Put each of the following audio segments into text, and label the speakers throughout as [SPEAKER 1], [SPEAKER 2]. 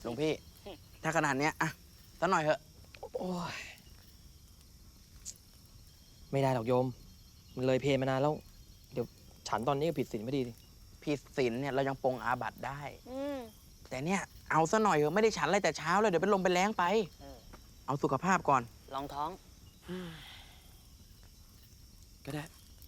[SPEAKER 1] หลวงพี่ ถ้าขนาดเนี้ยอะสักหน่อยเถอะ
[SPEAKER 2] โอ้ยไม่ได้หรอกโยม มันเลยเพลมานานแล้ว เดี๋ยวฉันตอนนี้ก็ผิดศีลไม่ดีดิ
[SPEAKER 1] ผิดศีลเนี่ยเรายังปรงอาบัติได้ แต่เนี่ยเอาซะหน่อยเถอะไม่ได้ฉันอะไรแต่เช้าเลยเดี๋ยวเป็นลมเป็นแรงไป เอาสุขภาพก่อน
[SPEAKER 3] ลองท้อง
[SPEAKER 2] ก็ได้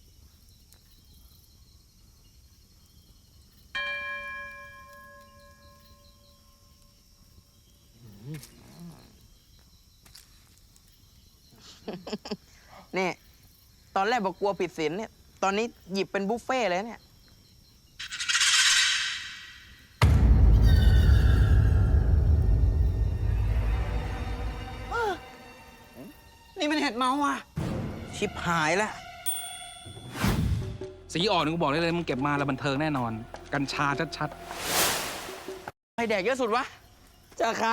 [SPEAKER 1] นี่ ตอนแรกบอกกลัวผิดศีลเนี่ย ตอนนี้หยิบเป็นบุฟเฟ่ต์เลยเนี่ย นี่มันเห็ดเมาว่ะ ชิบหายแล้ว
[SPEAKER 4] สีอ่อนกูบอกได้เลยมึงเก็บมาแล้วบันเทิงแน่นอน กัญชาชัด
[SPEAKER 1] ใครแดกเยอะสุดวะ
[SPEAKER 2] จะใคร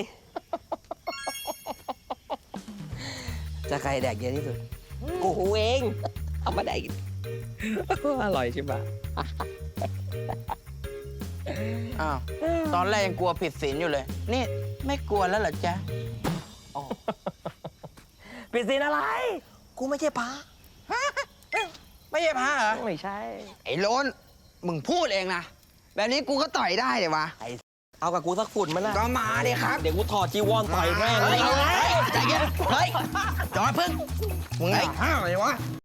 [SPEAKER 2] จะใครแดกเยอะที่สุด กูเอง เอามาแดกอร่อยใช่ปะ
[SPEAKER 1] อ้าว ตอนแรกยังกลัวผิดศีลอยู่เลย นี่ไม่กลัวแล้วเหรอจ๊ะ
[SPEAKER 2] ผิดศีลอะไร กูไม่ใช่พระ
[SPEAKER 1] ไม่ใช่พระเหรอ
[SPEAKER 2] ไม่ใช่
[SPEAKER 1] ไอ้โลนมึงพูดเองนะ แบบนี้กูก็ต่อยได้เลยวะ
[SPEAKER 2] เอากับกูสักฝุ่นมันนะ
[SPEAKER 1] ก็มาดิครับ
[SPEAKER 2] เดี๋ยวกูถอดจีวรต่อยแม่งเลย
[SPEAKER 1] ใจเย็นเฮ้ยจอดพึ่งมึงไอ้ห้าวเลยวะ